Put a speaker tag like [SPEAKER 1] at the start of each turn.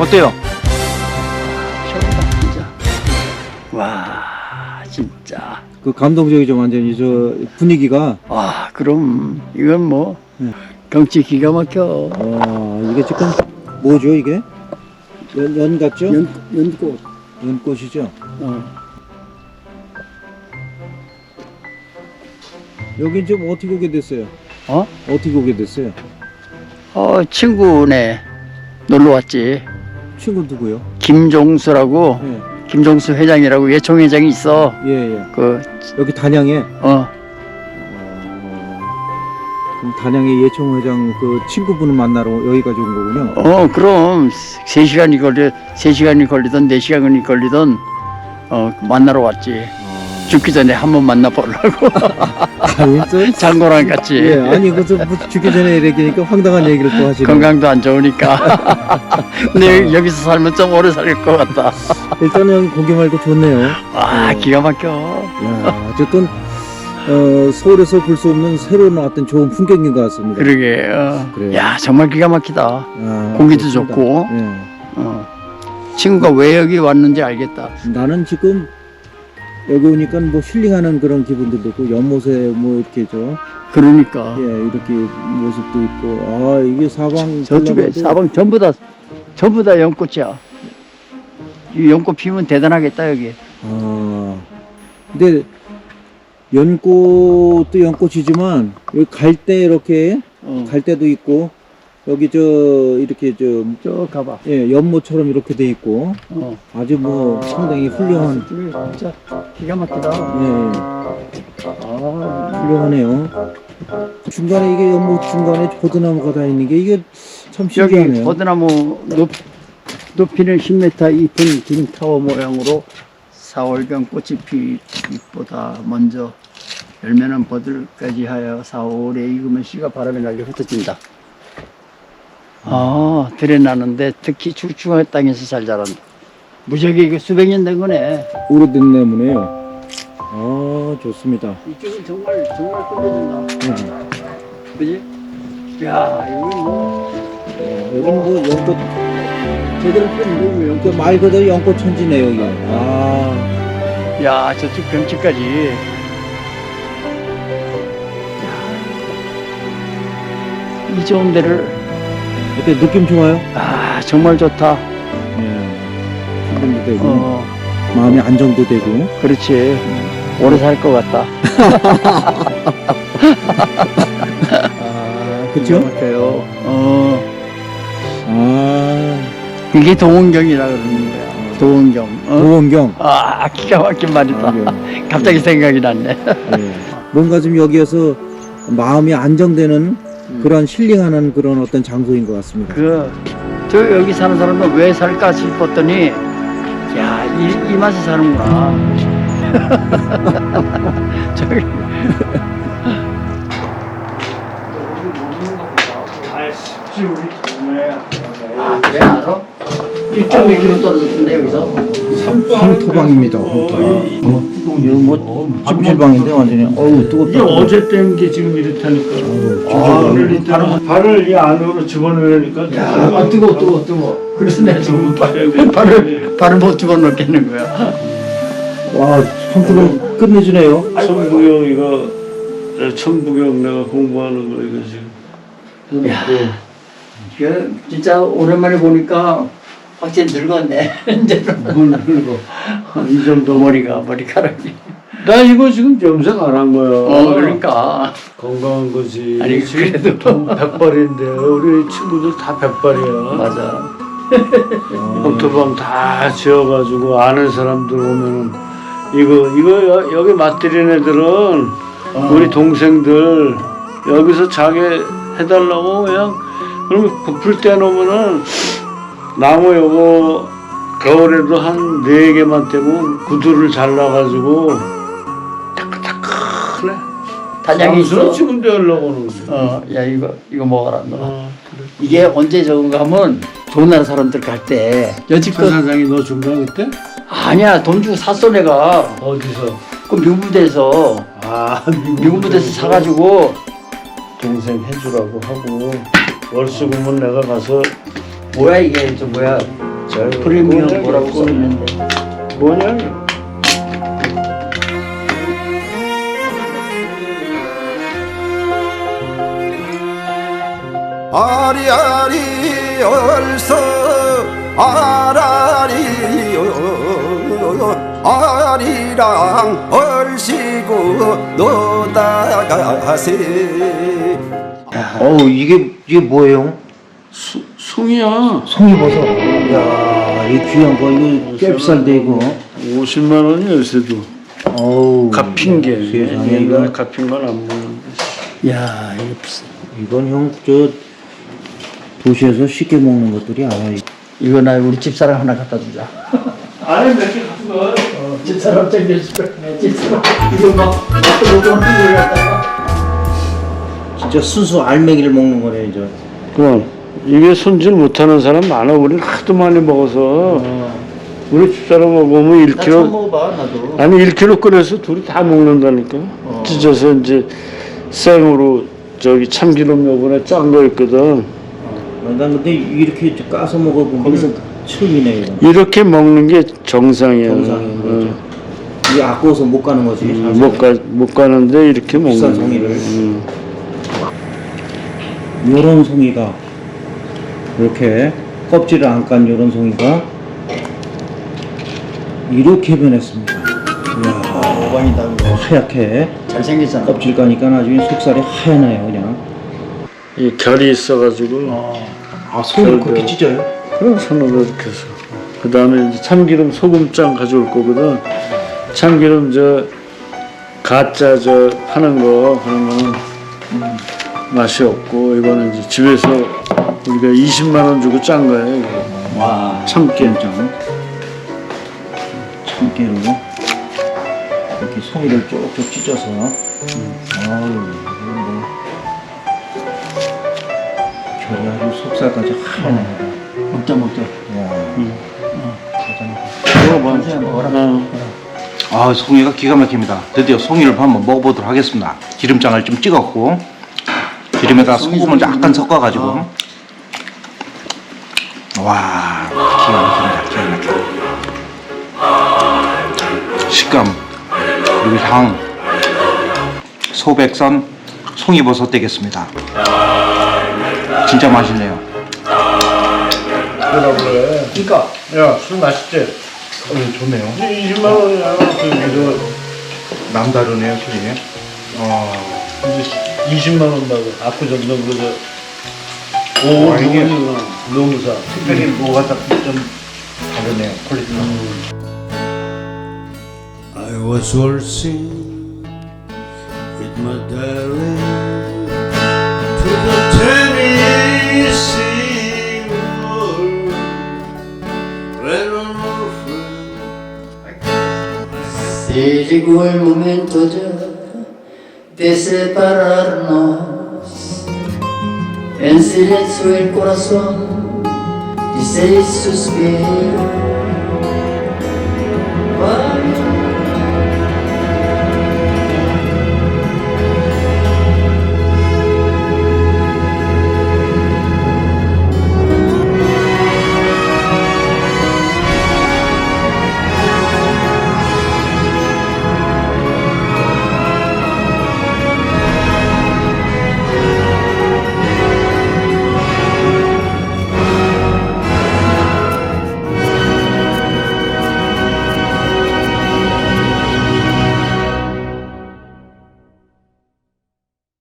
[SPEAKER 1] 어때요?
[SPEAKER 2] 최고다 진짜. 와 진짜.
[SPEAKER 1] 그 감동적이죠, 완전히 저 분위기가.
[SPEAKER 2] 와 그럼 이건 뭐
[SPEAKER 1] 네.
[SPEAKER 2] 경치 기가 막혀.
[SPEAKER 1] 이게 지금 뭐죠, 이게? 연 같죠?
[SPEAKER 2] 연꽃.
[SPEAKER 1] 연꽃이죠?
[SPEAKER 2] 어.
[SPEAKER 1] 여기 지금 어떻게 오게 됐어요?
[SPEAKER 2] 어?
[SPEAKER 1] 어떻게 오게 됐어요?
[SPEAKER 2] 친구네 놀러 왔지.
[SPEAKER 1] 친구 누구요?
[SPEAKER 2] 김종수라고
[SPEAKER 1] 예,
[SPEAKER 2] 김종수 회장이라고 예총 회장이 있어.
[SPEAKER 1] 예, 예.
[SPEAKER 2] 그
[SPEAKER 1] 여기 단양에.
[SPEAKER 2] 어.
[SPEAKER 1] 그럼 단양의 예총 회장 그 친구분을 만나러 여기까지 온 거군요.
[SPEAKER 2] 그럼 3시간이 걸리던 4시간이 걸리던 만나러 왔지. 죽기 전에 한번 만나보려고. 장고랑 같이.
[SPEAKER 1] 예, 아니 그저 뭐 죽기 전에 이렇게니까 황당한 얘기를 또 하시네.
[SPEAKER 2] 건강도 안 좋으니까. 근데 여기서 살면 좀 오래 살 것 같다.
[SPEAKER 1] 일단은 고기 말고 좋네요.
[SPEAKER 2] 기가 막혀.
[SPEAKER 1] 야, 어쨌든 서울에서 볼 수 없는 새로 나왔던 좋은 풍경인 것 같습니다.
[SPEAKER 2] 그러게.
[SPEAKER 1] 그래요.
[SPEAKER 2] 야 정말 기가 막히다. 공기도
[SPEAKER 1] 그렇습니다.
[SPEAKER 2] 좋고.
[SPEAKER 1] 예.
[SPEAKER 2] 친구가 왜 여기 왔는지 알겠다.
[SPEAKER 1] 나는 지금 여기 오니까 뭐 힐링하는 그런 기분들도 있고 연못에 뭐 이렇게
[SPEAKER 2] 그러니까.
[SPEAKER 1] 예, 이렇게 모습도 있고 이게 사방
[SPEAKER 2] 저쪽에
[SPEAKER 1] 둘러봐도
[SPEAKER 2] 사방 전부 다 연꽃이야. 이 연꽃 피면 대단하겠다 여기.
[SPEAKER 1] 근데 연꽃도 연꽃이지만 여기 갈대 이렇게 갈대도 있고 여기 이렇게
[SPEAKER 2] 저 가봐.
[SPEAKER 1] 예, 연못처럼 이렇게 돼 있고 아주 뭐 상당히 훌륭한
[SPEAKER 2] 진짜 기가 막히다.
[SPEAKER 1] 예, 훌륭하네요. 중간에 이게 연못 중간에 보드나무가 다 있는 게 이게 참
[SPEAKER 2] 여기
[SPEAKER 1] 신기하네요.
[SPEAKER 2] 버드나무 높이는 10m 잎은 긴 타워 모양으로 4월경 꽃이 피 잎보다 먼저 열매는 버들까지 하여 4, 5월에 익으면 씨가 바람에 날려 흩어진다. 들에 나는데 특히 출중한 땅에서 잘 자란다. 무지하게 이거 수백 년 된 거네.
[SPEAKER 1] 오래된 나무네요. 좋습니다.
[SPEAKER 2] 이쪽은 정말 끝내준다. 그지? 야, 이거
[SPEAKER 1] 여기는 뭐 연꽃
[SPEAKER 2] 제대로 펴는
[SPEAKER 1] 그 말 그대로 연꽃 천지네요 여기.
[SPEAKER 2] 야, 저쪽 경치까지. 이 좋은 데를.
[SPEAKER 1] 어때 느낌 좋아요?
[SPEAKER 2] 정말 좋다.
[SPEAKER 1] 기분도 되고 마음의 안정도 되고.
[SPEAKER 2] 그렇지. 오래 살 것 같다.
[SPEAKER 1] 그쵸?
[SPEAKER 2] 맞아요. 이게 도원경이라 그러는 거야. 도원경.
[SPEAKER 1] 도원경.
[SPEAKER 2] 기가 막힌 말이다. 갑자기 생각이 났네.
[SPEAKER 1] 뭔가 좀 여기에서 마음이 안정되는 그런 힐링하는 그런 어떤 장소인 것 같습니다.
[SPEAKER 2] 저 여기 사는 사람은 왜 살까 싶었더니, 야, 이 맛에 사는구나. 저기. 왜 알아? 1.1km 떨어졌는데 여기서?
[SPEAKER 1] 황토방입니다. 황토방. 이거 뭐 찜질방인데 완전히. 뜨겁다.
[SPEAKER 3] 이게 어제 뗀 게 지금 이렇다니까. 오늘 이따 발을 이 안으로 집어넣으니까.
[SPEAKER 2] 뜨거워. 그래서 내가 지금 발을 못 집어넣겠는 거야.
[SPEAKER 1] 와, 황토방 끝내주네요.
[SPEAKER 3] 천부경 이거 천부경 내가 공부하는 거 이거 지금.
[SPEAKER 2] 야, 이거 진짜 오랜만에 보니까 확실히 늙었네. 이제는.
[SPEAKER 3] 뭘 늙어. 이 정도
[SPEAKER 2] 머리카락이.
[SPEAKER 3] 나 이거 지금 염색 안 한 거야.
[SPEAKER 2] 그러니까.
[SPEAKER 3] 건강한 거지.
[SPEAKER 2] 아니, 그래도.
[SPEAKER 3] 백발인데 우리 친구들 다 백발이야.
[SPEAKER 2] 맞아.
[SPEAKER 3] 황토방 다 지어가지고 아는 사람들 오면은 이거 여기 맞들인 애들은 우리 동생들 여기서 자게 해달라고 그냥 그러면 부풀 때 놓으면은 나무 요거 겨울에도 한 4개만 떼고 구두를 잘라가지고 타크타크네.
[SPEAKER 2] 단양에 있어.
[SPEAKER 3] 지금 되려고 하는 거야.
[SPEAKER 2] 야 이거 먹어라 너.
[SPEAKER 3] 그래.
[SPEAKER 2] 이게 언제 적은가 하면 좋은 나라 사람들 갈 때
[SPEAKER 3] 그
[SPEAKER 2] 여지껏
[SPEAKER 3] 사장이 너 준 거야 그때?
[SPEAKER 2] 아니야 돈 주고 샀어 내가.
[SPEAKER 3] 어디서?
[SPEAKER 2] 그 미국 부대에서 미국 부대에서 사가지고
[SPEAKER 3] 동생 해주라고 하고 월수금은 내가 가서
[SPEAKER 2] 뭐야 이게 저 뭐야 프리미엄 뭐라고 써있는데.
[SPEAKER 3] 뭐냐?
[SPEAKER 4] 아리아리 얼서 아라리 아리랑 얼씨구 노다가세.
[SPEAKER 1] 어우 이게 뭐예요?
[SPEAKER 3] 송이야.
[SPEAKER 1] 송이버섯. 이야 이 귀한 거 이거 꽤 비싼데 이거.
[SPEAKER 3] 50만 원이야 요새도.
[SPEAKER 1] 어우
[SPEAKER 3] 갚인 게.
[SPEAKER 1] 세상에
[SPEAKER 3] 옛날에
[SPEAKER 1] 이거.
[SPEAKER 3] 갚인 건 안 먹는데.
[SPEAKER 2] 야, 이거 비싸.
[SPEAKER 1] 이건 형 저 도시에서 쉽게 먹는 것들이 아니야.
[SPEAKER 2] 이거 나 우리 집사람 하나 갖다 주자.
[SPEAKER 3] 안에 몇 개 갖고 가.
[SPEAKER 2] 집사람 챙겨줄 거야. 집사람. 이거 막 로전 을 갖다가.
[SPEAKER 1] 진짜 순수 알맹이를 먹는 거네 이제.
[SPEAKER 3] 그럼 이게 손질 못하는 사람 많아. 우리는 하도 많이 먹어서 우리 집사람하고 보면
[SPEAKER 2] 나 처음
[SPEAKER 3] 1kg
[SPEAKER 2] 먹어봐 나도.
[SPEAKER 3] 아니 1kg 끓여서 둘이 다 먹는다니까. 찢어서 이제 생으로 저기 참기름 요번에 짠 거 있거든.
[SPEAKER 1] 난 근데 이렇게 까서 먹어본 게 처음이네 이거.
[SPEAKER 3] 이렇게 먹는 게 정상이야.
[SPEAKER 1] 정상인 거죠. 이게 아까워서 못 가는 거지.
[SPEAKER 3] 못 가는데 이렇게 먹는
[SPEAKER 1] 비싼
[SPEAKER 3] 거야.
[SPEAKER 1] 송이를. 요런 송이가 이렇게 껍질을 안 깐 요런 송이가 이렇게 변했습니다. 이야,
[SPEAKER 2] 오반이다.
[SPEAKER 1] 하얗게
[SPEAKER 2] 잘생겼잖아.
[SPEAKER 1] 껍질 까니까 나중에 속살이 하얘나요 그냥.
[SPEAKER 3] 이 결이 있어가지고
[SPEAKER 1] 아 손을 그렇게 찢어요?
[SPEAKER 3] 그런 손으로 이렇게 해서 그 다음에 이제 참기름 소금장 가져올 거거든. 참기름 저 가짜 저 파는 거 그런 거는 맛이 없고 이거는 이제 집에서 우리가 20만 원 주고 짠 거예요. 이거.
[SPEAKER 2] 와.
[SPEAKER 1] 참깨장 참깨로 이렇게 송이를 쪽쪽 찢어서 아유 이거 뭐 결이 아주 속살까지 하얘네.
[SPEAKER 2] 먹자 먹자.
[SPEAKER 3] 먹어봐.
[SPEAKER 2] 먹어라.
[SPEAKER 1] 아 송이가 기가 막힙니다. 드디어 송이를 한번 먹어보도록 하겠습니다. 기름장을 좀 찍었고 기름에다 소금을 약간 섞어가지고 와 기가 막힙니다. 기가 막혀. 식감 그리고 향 소백선 송이버섯 되겠습니다. 진짜 맛있네요.
[SPEAKER 2] 그러니까
[SPEAKER 3] 야, 술 맛있지?
[SPEAKER 1] 좋네요.
[SPEAKER 3] 20만 원이야. 그래서
[SPEAKER 1] 남다르네요 술이.
[SPEAKER 3] 이제 20만 원 받아. 압구정동 그저
[SPEAKER 1] 와, 이게
[SPEAKER 3] 노무사.
[SPEAKER 1] 특별히 뭐가 좀 다르네요 퀄리티가.
[SPEAKER 5] I was waltzing with my darling to the Tennessee River when an old friend
[SPEAKER 2] Se llegó el momento ya de separarnos. En silencio el corazón dice y suspira.